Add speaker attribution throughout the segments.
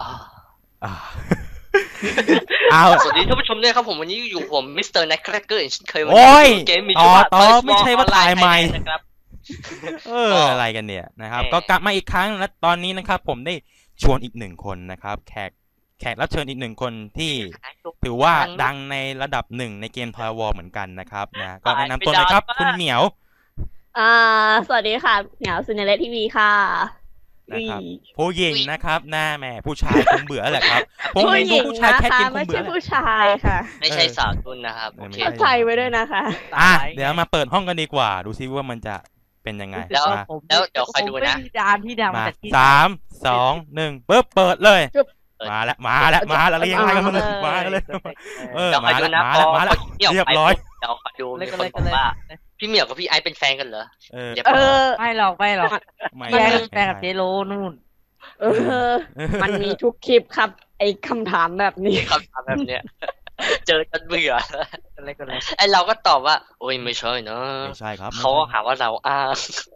Speaker 1: อ่าเอา
Speaker 2: สวัสดีท่านผู้ชมด้วยครับผมวันนี้อยู่ผมมิสเตอร์แน็กแครกเกอร์เช่นเคยวัน
Speaker 1: โอ้
Speaker 2: นี้
Speaker 1: ย
Speaker 2: เกมมี
Speaker 1: ต่
Speaker 2: ชื่
Speaker 1: อ
Speaker 2: อว่า
Speaker 1: ต่อ
Speaker 2: Toy
Speaker 1: ไม่
Speaker 2: Small
Speaker 1: ใช่ว่า
Speaker 2: Online
Speaker 1: ถ่ายใหม่
Speaker 2: Thailand นะครับ
Speaker 1: อะไรกันเนี่ยนะครับก็กลับมาอีกครั้งและตอนนี้นะครับผมได้ชวนอีกหนึ่งคนนะครับแขกรับเชิญอีกหนึ่งคนที่ถือว่าดังในระดับหนึ่งในเกม Toy War เหมือนกันนะครับนะก็แนะนำตัวเลยครับคุณเหมียว
Speaker 3: สวัสดีค่ะเหมียวซินเนเลทีวีค่ะ
Speaker 1: นะครับผู้หญิงนะครับหน้าแม่ผู้ชายคงเบื่อแหละครับผมเห็นดูผู้ชายแคทเกมค
Speaker 3: ไม่
Speaker 1: งเบื่
Speaker 3: ใช่
Speaker 1: อ
Speaker 3: ผู้ชายค่ะ
Speaker 2: ไม่ใช่สาวทุนนะครับโอเค
Speaker 3: เข้าใจไว้ด้วยนะคะ
Speaker 1: เดี๋ยวมาเปิดห้องกันดีกว่าดูซิว่ามันจะเป็นยังไง
Speaker 2: แล้ว
Speaker 1: มา
Speaker 2: เดี๋ยวคอยดูนะ
Speaker 4: ดานที่ดังมา
Speaker 1: มา
Speaker 4: จากที่
Speaker 1: 3 2 1ปึ๊บเปิดเลย
Speaker 3: ปึ๊บ
Speaker 1: มาแล้วเรียงอะไรกันมาเลยมาเลย
Speaker 2: เดี๋ยวคอยดูนะ
Speaker 1: มาแล้วเรียบร้อย
Speaker 2: เดี๋ยวคอยดูมีคนบอกว่าพี่เหมียวกับพี่ไอซ์เป็นแฟนกันเหรอ
Speaker 4: ไม่หรอกแย่แฟนกับเจโร่นู่น
Speaker 3: มันมีทุกคลิปครับ ไอ้คำถามแบบนี้
Speaker 2: คำถามแบบเนี้ยเจอจนเบื่อ
Speaker 4: อะไรกันเลย
Speaker 2: ไอเราก็ตอบว่าโอ้ยไม่ใช่นะ
Speaker 1: ไม่ใช่ครับ
Speaker 2: เขาหาว่าเราอ้าง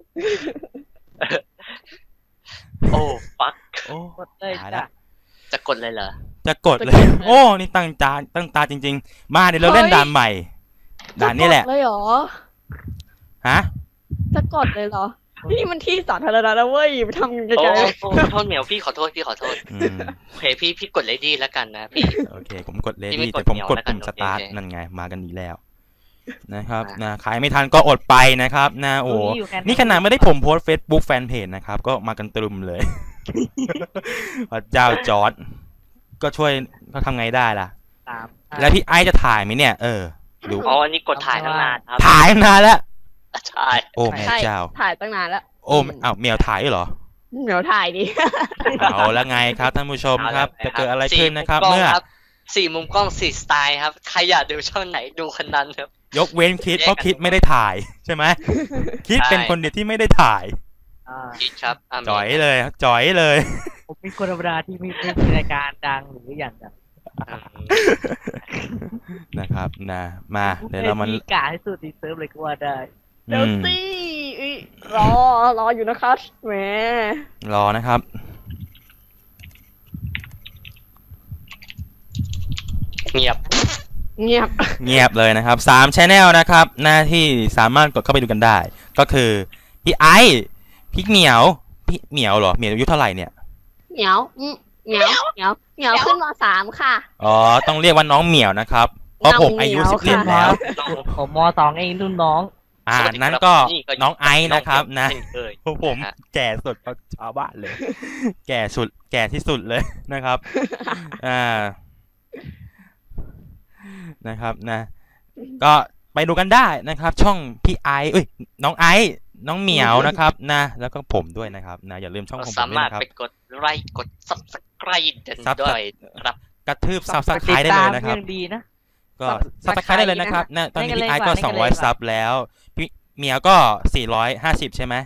Speaker 2: โอ้ฟัก
Speaker 1: โอ้
Speaker 4: กดเลย
Speaker 1: ตาย
Speaker 4: จ้ะ
Speaker 1: ละ
Speaker 2: จะกดเลยเหรอ
Speaker 1: จะกดเลย โอ้นี่ตั้งตาจริงๆมาเดี๋ยวเราเล่นด่านใหม่ด่านนี้แหละ
Speaker 3: จะกดเลยเหรอ
Speaker 1: ฮะ
Speaker 3: จะกดเลยเหรอ นี่มันที่สาธารณะนะเว้ยไปทำไกล
Speaker 2: โอ้โทษเหมียวพี่ขอโทษ
Speaker 1: อืม
Speaker 2: โอเคพี่กดเลดี้แล้วกันนะพี่
Speaker 1: โอเคผมกดเล
Speaker 2: พี่ไม่
Speaker 1: ดี้
Speaker 2: กด
Speaker 1: แต่ผมกด
Speaker 2: เหนียวแล้วกัน
Speaker 1: ปุ่มสตาร์ท
Speaker 2: โอเค
Speaker 1: นั่นไงมากันดีแล้วนะครับ
Speaker 2: มา
Speaker 1: นะขายไม่ทันก็อดไปนะครับนะโอ้นี่ขนาดไม่ได้ผมโพสเฟซบุ๊กแฟนเพจนะครับก็มากันตรึมเลย พระเจ้าจอร์ดก็ช่วยก็ทำไงได้ล่ะ
Speaker 4: 3
Speaker 1: แล้วพี่ไอซ์จะถ่ายไหมเนี่ยดู
Speaker 2: อ๋ออันนี้กดถ่ายตั้งนานครับ
Speaker 1: ถ่ายนานแล้ว
Speaker 2: ใช่
Speaker 1: โอ้
Speaker 3: ๆ
Speaker 1: แม่
Speaker 3: ใช่
Speaker 1: เจ้า
Speaker 3: ถ่ายตั้งนานแล้ว
Speaker 1: โอ้อ้าวเมียวถ่ายด้วยเหรอ
Speaker 3: เหมียวถ่ายดิ
Speaker 1: เอาแล้วไงครับท่านผู้ชมครับจะเกิดอะไรขึ้นนะครับ เมื่อ
Speaker 2: 4 มุมกล้อง 4 สไตล์ครับใครอยากดูช่องไหนดูคนนั้นครับ
Speaker 1: ยกเว้นคิดเพราะคิดไม่ได้ถ่ายใช่ไหมคิดเป็นคนเดียวที่ไม่ได้ถ่าย
Speaker 2: คิดครับามี
Speaker 1: จ่อยเลยจ่อยเลย
Speaker 4: ผมเป็นคนธรรมดาที่ไม่มีรายการดังหรืออย่างแบบ
Speaker 1: นะครับนะมาเดี๋ยวเรามัน
Speaker 4: กาให้สุดดีเซิร์ฟเลยก็ว่าได้
Speaker 3: เดี๋ยวสิรออยู่นะคะแหม
Speaker 1: รอนะครับ
Speaker 2: เงียบ
Speaker 3: เงียบ
Speaker 1: เงียบเลยนะครับ3 channel นะครับหน้าที่สามารถกดเข้าไปดูกันได้ ก็คือพี่ไอซ์พี่เหมียวพี่เหมียวเหรอเหมียวอายุเท่าไหร่เนี่ย
Speaker 3: เหมียวเหมียวขึ้นม.3 ค่ะ
Speaker 1: อ๋อต้องเรียกว่าน้องเหมียวนะครับเพราะผมอายุ
Speaker 3: น้องเหมียว
Speaker 1: 11แล้ว
Speaker 4: ผมม2เองรุ่นน้อง
Speaker 1: นั้นก็น้องไอซ์นะครับนะ
Speaker 2: เช่เคย
Speaker 1: พวกผมแก่สุดกว่าชาวบ้านเลย แก่ที่สุดเลยนะครับนะครับนะ ก็ไปดูกันได้นะครับ ช่องพี่ไอซ์น้องไอซ์น้องเหมียวนะครับนะแล้วก็ผมด้วยนะครับนะอย่าลืมช่องของผม
Speaker 2: สา
Speaker 1: ด้วย
Speaker 2: มารถ
Speaker 1: นะครับ
Speaker 2: ไปกดไลค์กด subscribe กันด้วยครับ
Speaker 1: กระทืบซับสไครต์ได้เลยนะครับ
Speaker 4: ดีนะ
Speaker 1: ก็ซับสไครต์ได้เลยนะครับนะตอนนี้พี่ไอซ์ก็200ซับแล้วพี่เหมียวก็450ใช่ไหม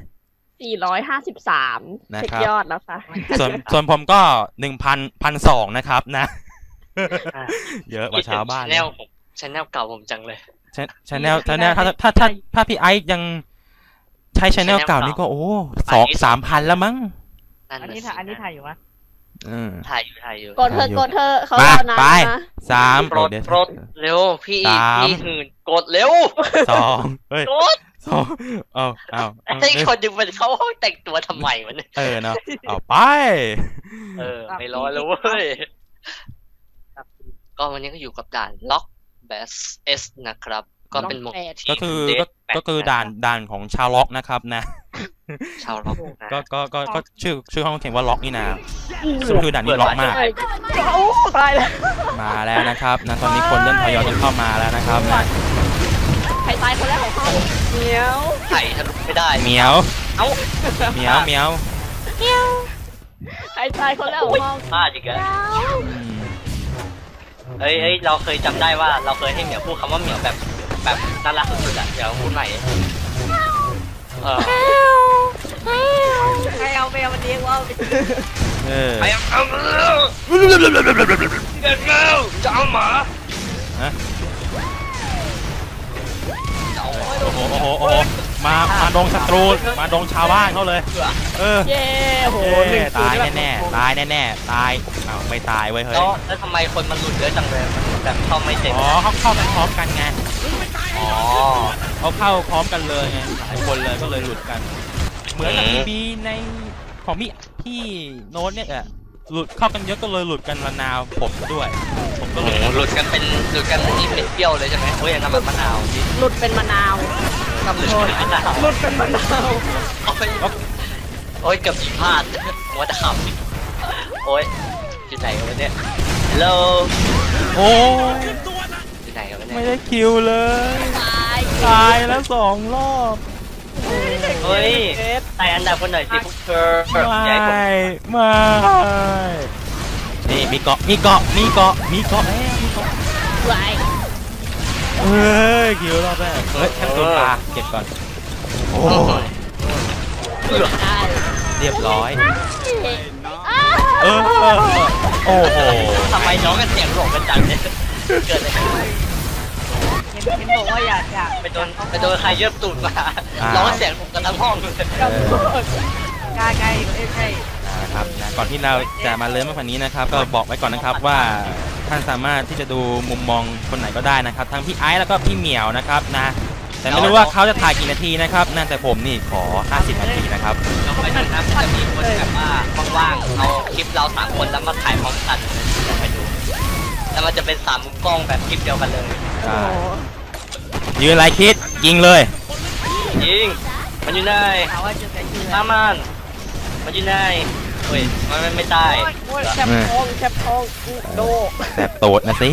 Speaker 3: 453
Speaker 1: นะค
Speaker 3: เช็
Speaker 1: รั
Speaker 3: ค
Speaker 1: บ
Speaker 3: ยอดแล้วค่ะ
Speaker 1: ส่วนผมก็1,200นะครับนะ เยอะกว่าชาวบ้าน
Speaker 2: ชแนลเก่าผมจังเลย
Speaker 1: ชแนลถ้าพี่ไอซ์ยังใช้ชแนลเก่านี่ก็โอ้2-3,000แล้วมั้ง
Speaker 4: อันนี้ถ่ายอยู่มั้ย
Speaker 2: ถ่ายอยู่
Speaker 3: กดเธอเขารอนาน
Speaker 1: ไป
Speaker 3: นะ
Speaker 1: 3
Speaker 2: โปรดเร็วพี่หื่นกดเร็ว
Speaker 1: 2เฮ้ย
Speaker 2: กด
Speaker 1: 2เอา
Speaker 2: ไอ้คนดึงมันเข้าห้องแต่งตัวทำไมมัน
Speaker 1: เนาะเอาไป
Speaker 2: ไม่รอแล้วเว้ยก็วันนี้ก็อยู่กับด่านล็อกแบสเอสนะครับก็เป็นโหมดที่
Speaker 1: ก็คือด่านของชาวล็อกนะครับนะ
Speaker 2: ชาวล็อกนะ
Speaker 1: ก็ชื่อห้องเขียนว่าล็อกนี่นะซึ่งคือด่านนี้ล็อกมาก
Speaker 3: โอ้ตายแล้ว
Speaker 1: มาแล้วนะครับนะตอนนี้คนเริ่มทยอยกันเข้ามาแล้วนะครับนะ
Speaker 3: ใครตายคนแรกของห้องเหมียว
Speaker 2: ไถ่ทะลุไม่ได้
Speaker 1: เหมียว
Speaker 2: เอ้า
Speaker 1: เหมียว
Speaker 3: ใครตายคนแรกของห้อง
Speaker 2: พลาดอีกแล้วเอ้ยเราเคยจำได้ว่าเราเคยให้เหมียวพูดคำว่าเหมียวแบบน่ารักสุดๆอ่ะเดี๋ยวพูดใหม่
Speaker 4: ใครเอาแมวมันเลี้ยงว่า
Speaker 2: ไปเอาเด็กแล้วจะเอาหมา
Speaker 1: โอ้โหมาดงศัตรูมาดงชาวบ้านเขาเลย
Speaker 3: เย้โหหนึ่ง
Speaker 1: ตาย
Speaker 3: แบบ
Speaker 1: แน่ๆตายแน่ๆตายอ้าวไม่ตายเว้ยเฮ้ย
Speaker 2: แล้วทำไมคนมันหลุดเยอะจังเลยมันแบบเข้าไม่เต็ม
Speaker 1: อ๋อเขาเข้ากันพร้อมกันไง
Speaker 2: อ๋อ
Speaker 1: เขาเข้าพร้อมกันเลยไงหลายคนเลยก็เลยหลุดกัน เหมือนกับบีในของพี่โน้ตเนี่ยหลุดเข้ากันเยอะก็เลยหลุดกันระนาวผมด้วยผมก็
Speaker 2: โอ้
Speaker 1: เลย
Speaker 2: โหหลุดกันเป็นนี่เป็นเปรี้ยวเลยใช่ไหมโอ้ยน้ำมันมะนาว
Speaker 3: หลุดเป็นมะนาว
Speaker 2: หลุดเป็นมะนาว
Speaker 3: หลุดเป็นมะนาว
Speaker 2: โอ้ยเกือบผิดพลาดมัวแต่ขำโอ้ยที่ไหนกันวะเนี่ยฮัลโหล
Speaker 1: โอ้ย
Speaker 2: ที่ไหนกันวะเนี่ย
Speaker 1: ไม่ได้คิวเลย
Speaker 3: ตาย
Speaker 1: แล้ว2 รอบ
Speaker 2: เฮ้ยไต่อันดับคนหน่อยสิพวกเธออย่าให้ผม
Speaker 1: ไม่นี่มีเกาะแล้วมีเกาะ
Speaker 3: ไหว
Speaker 1: เฮ้ยคิวรอบแรกเฮ้ยแค่ตัวปลาเก็บก่อนโอ้ย
Speaker 3: ได้
Speaker 1: เรียบร้อย
Speaker 3: อ้าว
Speaker 1: โอ้โห
Speaker 2: ทำไมน้องกันเสียงหลงกันจังเนี่ยเกิดอะไรขึ้น
Speaker 4: เห็นบอกว่าอยาก
Speaker 2: ไปโดนใครเยือบตูดมาร้องเสียงหลงกันทั้งห้องเลย
Speaker 4: กล้าใกล้ใช่
Speaker 1: นะครับนะก่อนที่เราจะมาเริ่มมากกว่านี้นะครับก็บอกไว้ก่อนนะครับว่าท่านสามารถที่จะดูมุมมองคนไหนก็ได้นะครับทั้งพี่ไอซ์แล้วก็พี่เหมียวนะครับนะแต่ไม่รู้ว่าเขาจะถ่ายกี่นาทีนะครับนั่นแต่ผมนี่ขอ50 นาทีนะครับ
Speaker 2: เราไปดูนะมันจะมีคนแบบว่าว่างๆเอาคลิปเรา3 คนแล้วมาถ่ายพร้อมกันไปดูแล้วมันจะเป็น3 มุมกล้องแบบคลิปเดียวกันเลย
Speaker 3: โอ้โห
Speaker 1: ยืนไรคิดยิงเลย
Speaker 2: ยิงมันอยู่ไหน
Speaker 4: ถามว่าจะแต่ชื่อ
Speaker 2: ตามมันอยู่ไหนเฮ้ยมันไม่ตาย
Speaker 3: โอ้ยแคบท้องโด
Speaker 1: แสบโตดนะสิ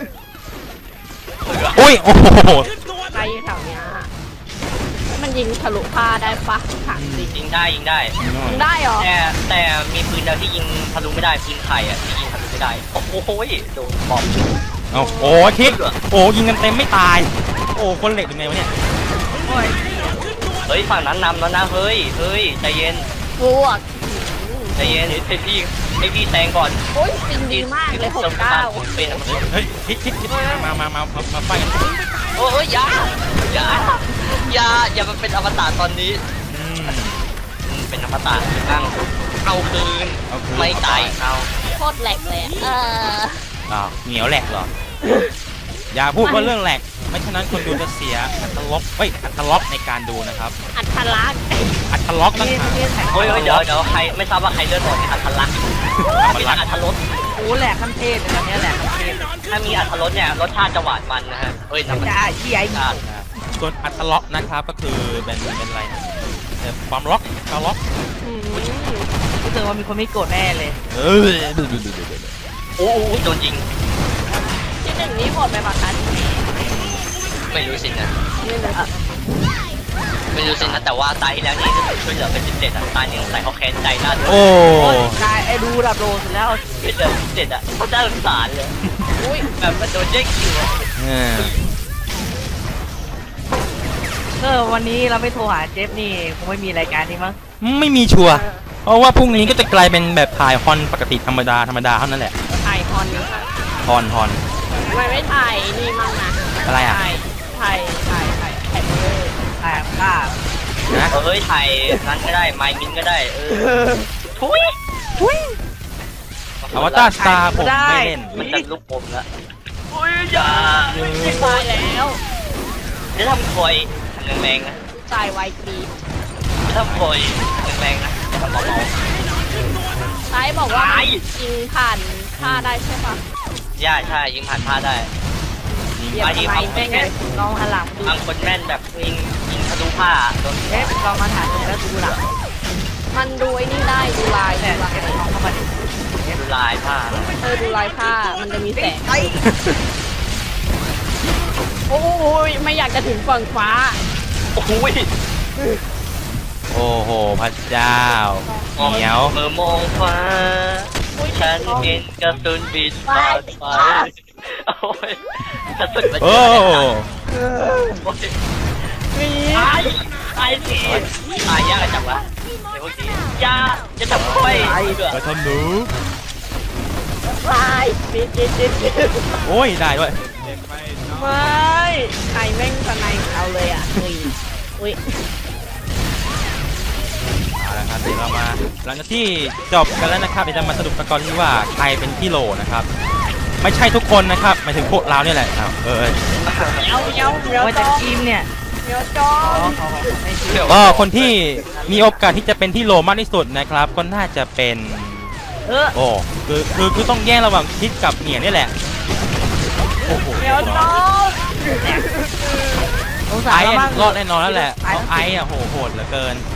Speaker 1: อุ้ยโอ้โห
Speaker 3: ใครแถวเนี้ยมันยิงทะลุผ้าได้ปะถามจริง
Speaker 2: ยิงได้
Speaker 3: ยิงได้เหรอ
Speaker 2: แต่มีปืนเดียวที่ยิงทะลุไม่ได้ปืนไข่อะที่ยิงทะลุไม่ได้โอ้โหโดนบอม
Speaker 1: เอาโอ้คิดโอ้ยิงกันเต็มไม่ตายโอ้คนเหล็กเป็นไงวะเนี่ย
Speaker 2: เฮ้ยฝั่งนั้นนำแล้วนะเฮ้ยใจเย็น
Speaker 3: บวก
Speaker 2: ใจเย็นให้พี่แซงก่อน
Speaker 3: โอ้ยปิงดีมากเลย69
Speaker 2: เป็นมัน
Speaker 1: เฮ้ยคิดมาไฟกัน
Speaker 2: โอ้ยอย่ามันเป็นอมตะตอนนี้เป็นอมตะนั่งเอาคืนไม่ตายเอา
Speaker 3: โคตรแหลกเลย
Speaker 1: อ้าวเหนียวแหลกเหรออย่าพูดว่าเรื่องแหลกไม่ฉะนั้นคนดูจะเสียอัตลักษณ์ในการดูนะครับ
Speaker 3: อัธลักษณ์
Speaker 1: อัตลักษณ์ต่างหาก
Speaker 2: เฮ้ยเดี๋ยวใครไม่ทราบว่าใครเลือดออกมีอัตลักษณ์มีอัตรส
Speaker 4: โอ้แหลกขั้นเทพเลยตอนนี้แหลกขั้นเทพ
Speaker 2: ถ้ามีอัตรสเนี่ยรสชาติจะหวานมันนะฮะเฮ้ยน้ำมัน
Speaker 4: จะที่ไอ้
Speaker 2: ชาติ
Speaker 1: ส่วนอัตลักษณ์นะครับก็คือเป็นอะไรนะความล็อกความล็อก
Speaker 4: รู้สึกว่ามีคนไม่โกรธแน่เลย
Speaker 2: โอ้โหโดนยิง
Speaker 3: ที่หนึ่งนี้หมดไปปะคะ
Speaker 2: ไม่รู้สินะ
Speaker 3: ไม่รู้
Speaker 2: ไม่รู้สินะแต่ว่าตายที่แล้วนี่ช่วยเหลือเป็น17อ่ะตายนี่ใส่เขาแค้นใจน่าดู
Speaker 1: โอ้
Speaker 4: กายไอ้ดูดับโลสุดแล้ว
Speaker 2: ช่วยเหลือ17อ่ะเขาน่าสงสารเลย
Speaker 3: อุ้ย
Speaker 2: แบบมันโดนแย่งคิวอะ
Speaker 4: วันนี้เราไม่โทรหาเจฟนี่คงไม่มีรายการนี้มั้ง
Speaker 1: ไม่มีชัวร์เพราะว่าพรุ่งนี้ก็จะกลายเป็นแบบถ่ายฮอนปกติธรรมดาเท่านั้นแหละ
Speaker 3: ถ่ายฮอน
Speaker 1: ฮอน
Speaker 3: ทำไมไม่ถ่ายนี่มั่งนะ
Speaker 1: อะไรอ่ะ
Speaker 3: ถ่ายเลย
Speaker 4: ถ่ายภาพ
Speaker 1: นะ
Speaker 2: เฮ้ยถ่ายนั้นก็ได้ไมมินก็ได้ทุย
Speaker 1: อวตารสตาร์ผมไม่เล่น
Speaker 2: มันจะลุกผมละโอ้ยอย่า
Speaker 3: ตายแล้ว
Speaker 2: จะทำคอยแรงๆนะ
Speaker 3: ตายไวกรีด
Speaker 2: จะทำคอยแรงๆนะทำเบา
Speaker 3: ซ้ายบอกว่ายิงผ่านผ้าได้ใช่ปะ
Speaker 2: ๆย่าใช่ยิงผ่านผ้าได้
Speaker 3: เดี๋ยวทำไมแม่งไง
Speaker 4: ลองหันหลังดู
Speaker 2: บางคนแม่นแบบยิงทะลุผ้าโดน
Speaker 4: เจฟลองมาถ่ายดูแล้วดูหลัง
Speaker 3: มันดูไอ้นี่ได้ดูลาย
Speaker 4: แต่เจฟลองเข้ามาดิ
Speaker 2: ดูลายผ้า
Speaker 3: ดูลายผ้ามันจะมีแสงโอ้ยไม่อยากจะถึงฝั่งฟ้า
Speaker 2: โอ้ย
Speaker 1: โอ้โหพระเจ้าเหนียว
Speaker 2: เมื่อมองฟ้าฉันเห็นกระสุนบินผ่านไปโอ้ยกระสุนมัน
Speaker 1: โอ้
Speaker 2: ตายสิตายยากจังวะเดี๋ยวพวกนี้อย่าจะทำค่อย
Speaker 1: กระทำหนู
Speaker 3: ตายปิด
Speaker 1: โอ้ยได้ด้วย
Speaker 3: ไม่ใครแม่งสไนเอาเลยอ่ะเฮ้ยอุ้ย
Speaker 1: เอาละครับเดี๋ยวเรามาหลังจากที่จบกันแล้วนะครับเดี๋ยวจะมาสรุปกันก่อนที่ว่าใครเป็นที่โหลนะครับไม่ใช่ทุกคนนะครับหมายถึงพวกเราเนี่ยแหละอ้าว
Speaker 4: ว่าจะทีมเนี่ย
Speaker 3: เดี๋ยวจอ
Speaker 4: ไม่เชื่อ
Speaker 1: ก็คนที่มีโอกาสที่จะเป็นที่โหลมากที่สุดนะครับก็น่าจะเป็นโอ้คือต้องแย่งระหว่างคิดกับเหนียนี่แหละโอ้โห
Speaker 3: เดี๋ยวจอ
Speaker 4: สงสาร
Speaker 1: ไอ้
Speaker 4: มาก
Speaker 1: รอดแน่นอนแล้วแหละเพราะไอ้อะโหดเหลือเกิน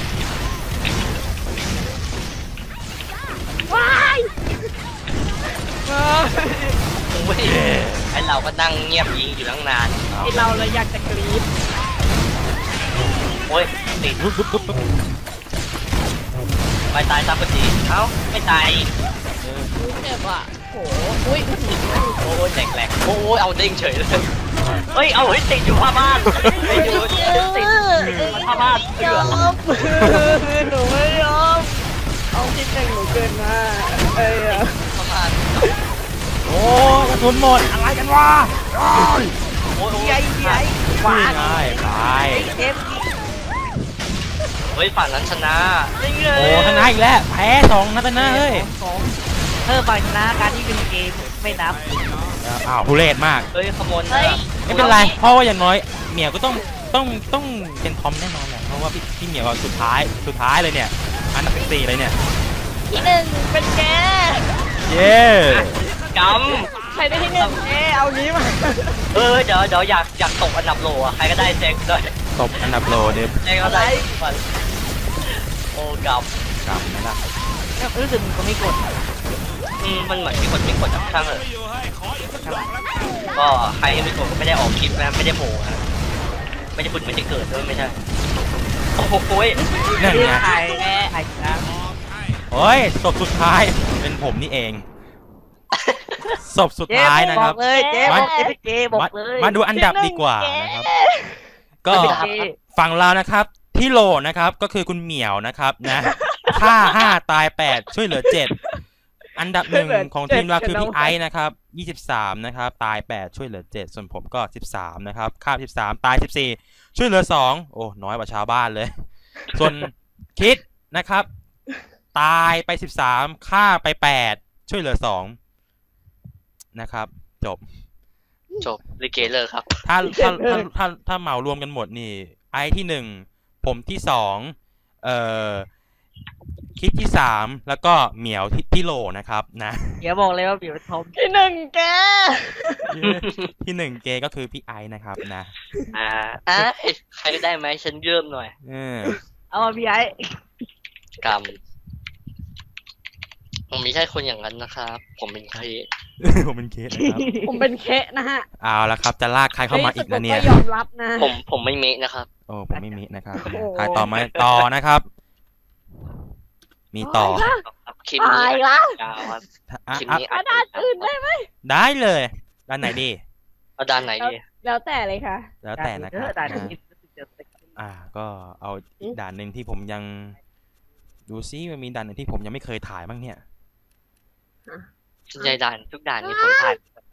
Speaker 3: ว้าย
Speaker 2: โอ้ยไอเราก็นั่งเงียบยิงอยู่ตั้งนาน
Speaker 3: ไอเราเลยอยากจะกรี๊ด
Speaker 2: โอ้ยติด
Speaker 1: ปุ๊บ
Speaker 2: ไปตายซะพอดีเอ้าไม่ตาย
Speaker 3: เจ็บอ่ะโหอุ้ยมันหนีนะ
Speaker 2: โอ้ยแหลกโอ้ยเอาเด้งเฉยเลยเฮ้ยเอาเฮ้ยติดอยู่ผ้าบ้านติดอยู่ติดผ้าบ้านเสือ
Speaker 3: หนูไม่ยอมเอาที่แต่งหนูเกินมาเอ้ย
Speaker 2: ผ้าบ้าน
Speaker 1: โอ้กระสุนหมดอะไรกันวะ
Speaker 2: โอ้ย
Speaker 4: ใหญ่ใหญ่
Speaker 1: ว้าง่ายไป
Speaker 4: เกม
Speaker 2: เฮ้ยฝั่งนั้นชนะ
Speaker 1: โอ้ชนะอีกแล้วแพ้2นัดนะเฮ้ย
Speaker 4: เพิ่มฝั่งชนะการที่เป็นเกมไม่นับ
Speaker 1: อ้าวทุเรศมาก
Speaker 2: เฮ้ยขโมย
Speaker 1: ไม่เป็นไรเพราะว่าอย่างน้อยเหมียวก็ต้องเป็นทอมแน่นอนแหละเพราะว่าพี่เหมียวก็สุดท้ายเลยเนี่ยอันดับ4เลยเนี่ย
Speaker 3: ที่หนึ่งเป็นแก
Speaker 1: เย้
Speaker 2: ก
Speaker 3: ใครได้ที่หนึ่งเอานี้มา
Speaker 2: ำเดี๋ยวอยากตกอันดับโหลอะใครก็ได้แจ็คด้วย
Speaker 1: ตบอันดับโลเดฟ
Speaker 2: แจ็คก็ได้โอ้ก
Speaker 1: กลับไหมล่ะ
Speaker 4: รู้สึกมันก็ไม่กด
Speaker 2: ำมันเหมือนมีคนไม่กดจับช่างเลยก็ใครไม่กดก็ไม่ได้ออกคลิปนะไม่ได้โผล่นะไม่ได้พูดไม่ได้เกิดด้วยไม่ใช่โอ้โห
Speaker 1: นั่นไง
Speaker 4: ถ่ายนะ
Speaker 1: โอ้ยศพสุดท้ายเป็นผมนี่เองศพสุดท้ายนะครับ
Speaker 4: บอกเลยเจ๊บอกเจ๊บอกเลย
Speaker 1: มาดูอันดับดีกว่านะครับ ก็ฝั่งเรานะครับที่โหลนะครับก็คือคุณเหมียวนะครับนะฆ่า5ตาย8ช่วยเหลือ7อันดับ1ของทีมเราคือพี่ไอซ์นะครับ23นะครับตาย8ช่วยเหลือ7ส่วนผมก็13นะครับฆ่า13ตาย14ช่วยเหลือ2โอ้น้อยกว่าชาวบ้านเลย ส่วนคิดนะครับตายไป13ฆ่าไป8ช่วยเหลือ2นะครับจบ
Speaker 2: จบลิเกเลยครับ
Speaker 1: ถ้าเหมารวมกันหมดนี่ไอที่1ผมที่2คิดที่3แล้วก็เหมียวที่โหลนะครับนะ
Speaker 4: เดี๋ยวบอกเลยว่าเดี๋ยวทอม
Speaker 3: ที่หนึ่งแก
Speaker 1: ที่1เกก็คือพี่ไอนะครับนะ
Speaker 2: ใครก็ได้ไหมฉันเยิ่มหน่อย
Speaker 4: เอามาพี่ไอ้
Speaker 2: กรรมผมไม่ใช่คนอย่างนั้นนะครับผมเป็นใคร
Speaker 1: ผมเป็นเคสนะครับ
Speaker 3: ผมเป็นเคะนะฮะ
Speaker 1: เอาละครับจะลากใครเข้ามาอีกนะเนี่ย
Speaker 3: ก็ยอมรับนะ
Speaker 2: ผมไม่เมะนะครับ
Speaker 1: โอ้ผมไม่มีนะครับ
Speaker 3: โอ้โห
Speaker 1: ใครต่อมาต่อนะครับ มีต่อ
Speaker 2: คลิปนี้
Speaker 3: ตายละ
Speaker 2: ยาวครับ
Speaker 1: อ่ะ
Speaker 2: คลิป
Speaker 1: อ่ะ
Speaker 2: นี้
Speaker 3: กระดานอื่นได้ไหม
Speaker 1: ได้เลยด้านไหนดี
Speaker 2: เอาด้านไหนดี
Speaker 3: แล้วแต่เลยค่ะ
Speaker 1: แล้วแต่นะครับ
Speaker 4: ด่า
Speaker 1: นะก็เอาอีกด่านหนึ่งที่ผมยังดูซิมันมีด่านหนึ่งที่ผมยังไม่เคยถ่ายบ้างเนี่ย
Speaker 2: ส่วนใหญ่ด่านทุกด่านนี่ผมถ่าย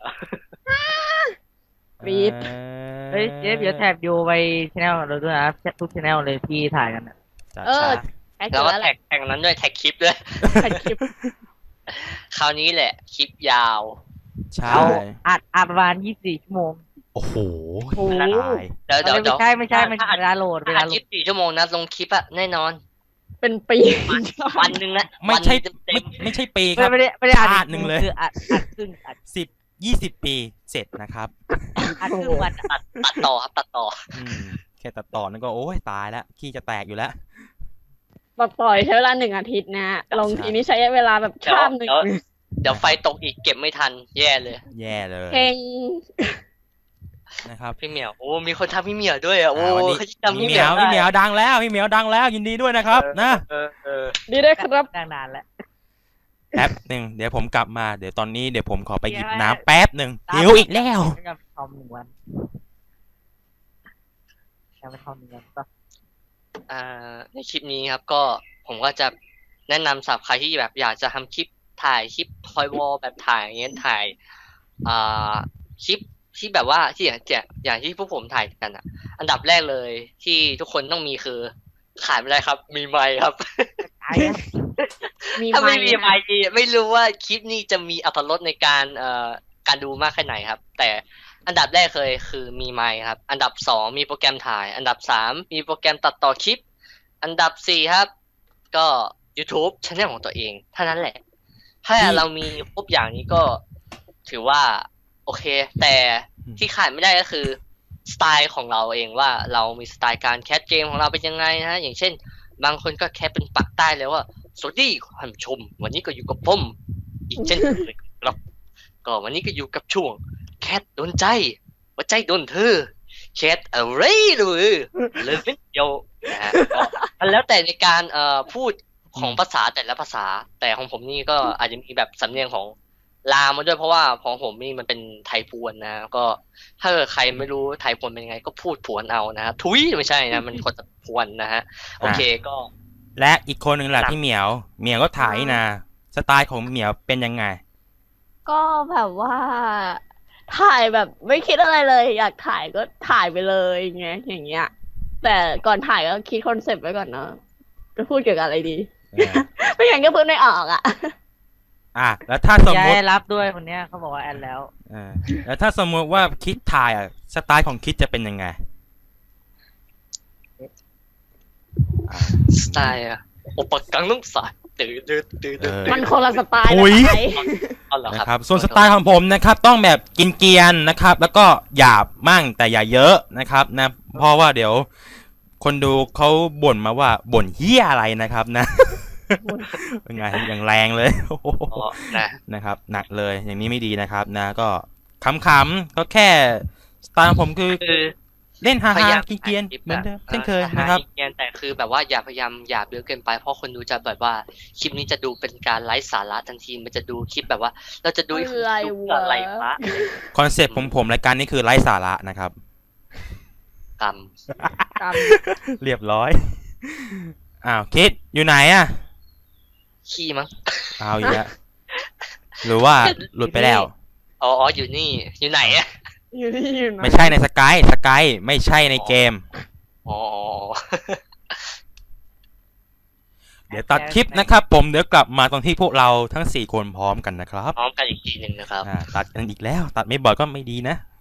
Speaker 3: กรี๊ด
Speaker 4: เฮ้ยเจ๊เดี๋ยวแท็บโยไปชแนลเราด้วยนะทุกชแนลเลยที่ถ่ายกันนะ
Speaker 1: จัด
Speaker 3: เออ
Speaker 1: จ้า
Speaker 3: แท็ก
Speaker 2: แล้วก็
Speaker 3: แล้วแห
Speaker 2: แท็
Speaker 3: ละ
Speaker 2: กแท็กนั้นด้วยแท็กคลิปด้วย
Speaker 3: แท็กคลิป
Speaker 2: คราวนี้แหละคลิปยาว
Speaker 1: ใช่
Speaker 4: เอาอัดประมาณ24ชั่วโมง
Speaker 1: โอ้โห
Speaker 3: โอ้โห
Speaker 1: ตาย
Speaker 2: เดี๋ยว
Speaker 4: ไม่ใช่มันเวลาโหลด
Speaker 2: เวลา24ชั่วโมงนะลงคลิปอะแน่นอน
Speaker 3: เป็นปี
Speaker 2: วันหนึ่งนะ
Speaker 1: ไม่ใช่
Speaker 2: วันเต็ม
Speaker 1: ไม่ใช่ปีครับ
Speaker 4: ไม่ได้อัด
Speaker 1: ชาติหนึ่งเลย
Speaker 4: คืออัดครึ่งอัด
Speaker 1: 10-20 ปีเสร็จนะครับ
Speaker 4: ครึ่งวัน
Speaker 2: ตัดต่อครับตัดต่อ
Speaker 1: แค่ตัดต่อนั่นก็โอ้ยตายแล้วขี้จะแตกอยู่แล้ว
Speaker 3: ตัดต่อยใช้เวลา1 อาทิตย์นะฮะลงทีนี้ใช้เวลาแบบข้ามหนึ่ง
Speaker 2: เดี๋ยวไฟตกอีกเก็บไม่ทันแย่เลย
Speaker 1: แย่เลย
Speaker 3: เพลง
Speaker 1: นะครับ
Speaker 2: พี่เหมียวโอ้มีคนทำพี่เหมียวด้วยอ่ะโอ้
Speaker 1: วันนี้
Speaker 2: เขาจำ
Speaker 1: พี่
Speaker 2: พี่
Speaker 1: เห
Speaker 2: เห
Speaker 1: มี
Speaker 2: มี
Speaker 1: ย
Speaker 2: ยว ว
Speaker 1: พี่เหมียวดังแล้วพี่เหมียวดังแล้วยินดีด้วยนะครับนะ
Speaker 3: ดีด้วยครับ
Speaker 4: นานแล้ว
Speaker 1: แป๊บหนึ่งเดี๋ยวผมกลับมาเดี๋ยวตอนนี้เดี๋ยวผมขอไปหยิบน้ำแป๊บหนึ่งหิวอีกแล้ว
Speaker 4: ยังทอม1 วันยังไม่ทอม1 วันก็
Speaker 2: ในคลิปนี้ครับก็ผมก็จะแนะนำสำหรับใครที่แบบอยากจะทำคลิปถ่ายคลิปทอยวอลแบบถ่ายอย่างเงี้ยถ่ายคลิปที่แบบว่าที่อย่างที่พวกผมถ่ายกันอ่ะ อันดับแรกเลยที่ทุกคนต้องมีคือขาดไม่ได้ครับ มีไมค์ครับ
Speaker 3: มี
Speaker 2: ถ้าไม่มี
Speaker 3: ไห
Speaker 2: ไมค์ไม่รู้ว่าคลิปนี้จะมีอรรถรสในการดูมากแค่ไหนครับ แต่อันดับแรกเลยคือมีไมค์ครับ อันดับสองมีโปรแกรมถ่าย อันดับสามมีโปรแกรมตัดต่อคลิป อันดับสี่ครับ ก็ YouTube channel ของตัวเองเท่านั้นแหละ ถ้าเรามีครบอย่างนี้ก็ถือว่าโอเค แต่ที่ขาดไม่ได้ก็คือสไตล์ของเราเองว่าเรามีสไตล์การแคสเกมของเราเป็นยังไงนะฮะอย่างเช่น บางคนก็แคสเป็นปักใต้เลยว่าสวัสดีท่านผู้ชม วันนี้ก็อยู่กับผมอีกเช่นเคยครับ ก็วันนี้ก็อยู่กับช่วงแคสโดนใจว่าใจโดนเธอแคสอะไรเลยเลยเป็นเดียวนะฮะก็แล้วแต่ในการพูดของภาษาแต่ละภาษา แต่ของผมนี่ก็อาจจะมีแบบสำเนียงของลาวมาด้วยเพราะว่าของผมนี่มันเป็นไทยพวนนะก็ถ้าเกิดใครไม่รู้ไทยพวนเป็นยังไงก็พูดผวนเอานะฮะทุยไม่ใช่นะมันคนจะพวนนะฮะโอเคก็
Speaker 1: และอีกคนหนึ่งแหละที่เหมียวก็ถ่ายนะสไตล์ของเหมียวเป็นยังไง
Speaker 3: ก็แบบว่า ถ่ายแบบไม่คิดอะไรเลย อยากถ่ายก็ถ่ายไปเลยไงอย่างเงี้ย แต่ก่อนถ่ายก็คิดคอนเซปต์ไว้ก่อนเนาะจะพูดเกี่ยวกับอะไรดี ไม่อย่างก็พูดไม่ออกอ่ะ
Speaker 1: แล้วถ้าสม
Speaker 4: ย้าม
Speaker 1: ติ
Speaker 4: ยรับด้วยคนเนี้ยเขาบอกว่าแอนแล้ว
Speaker 1: แล้วถ้าสมมติว่าคิดถ่ายสไตล์ของคิดจะเป็นยังไง
Speaker 2: สไตล์อะโอปกังน้ำสายตื่น
Speaker 3: มันคนละสไตล์
Speaker 1: อุ๊
Speaker 3: นะ
Speaker 1: ย
Speaker 3: ไทย
Speaker 2: เอาเหรอ
Speaker 1: นะ
Speaker 2: ค
Speaker 1: ค
Speaker 2: รั
Speaker 1: รับ บส่วนสไตล์ของผมนะครับ ต้องแบบกินเกรียนนะครับ แล้วก็หยาบมั่งแต่อย่าเยอะนะครับนะเพราะว่าเดี๋ยว คนดูเขาบ่นมาว่าบ่นเหี้ยอะไรนะครับนะ เป็นไงอย่างแรงเลย
Speaker 2: อ๋อนะ
Speaker 1: นะครับหนักเลยอย่างนี้ไม่ดีนะครับนะก็ขำๆก็แค่สไตล์ของผมคือ
Speaker 2: คือ
Speaker 1: เล่นฮา
Speaker 2: พยายาม
Speaker 1: ๆกินเกรียน
Speaker 2: ถ่ายคลิป
Speaker 1: เหมือนเดิม
Speaker 2: อะ
Speaker 1: เช่นเคยนะครับ
Speaker 2: เกรียนแต่คือแบบว่าอย่าพยายามหยาบเยอะเกินไปเพราะคนดูจะแบบว่าคลิปนี้จะดูเป็นการไร้สาระทันทีมันจะดูคลิปแบบว่า เราจะดู
Speaker 3: อะไรวะ
Speaker 2: ดูเพื่ออะไรวะ
Speaker 1: คอนเซปต์ผมรายการนี้คือไร้สาระนะครับ
Speaker 2: กรรม
Speaker 1: เรียบร้อยคิดอยู่ไหนอ่ะ
Speaker 2: ขี้มั้ง
Speaker 1: เอาอีกแล้วหรือว่าหลุดไปแล้ว
Speaker 2: อ๋ออยู่นี่อยู่ไหนอะ
Speaker 3: อยู่ที่อยู่นะ
Speaker 1: ไม่ใช่ในสกายไม่ใช่ในเกม
Speaker 2: อ๋อ
Speaker 1: เดี๋ยวตัดคลิปนะครับ ผมเดี๋ยวกลับมาตอนที่พวกเราทั้ง4คนพร้อมกันนะครับ
Speaker 2: พร้อมกันอีกทีหนึ่งนะครับ
Speaker 1: ตัดกันอีกแล้ว ตัดไม่บ่อยก็ไม่ดีนะ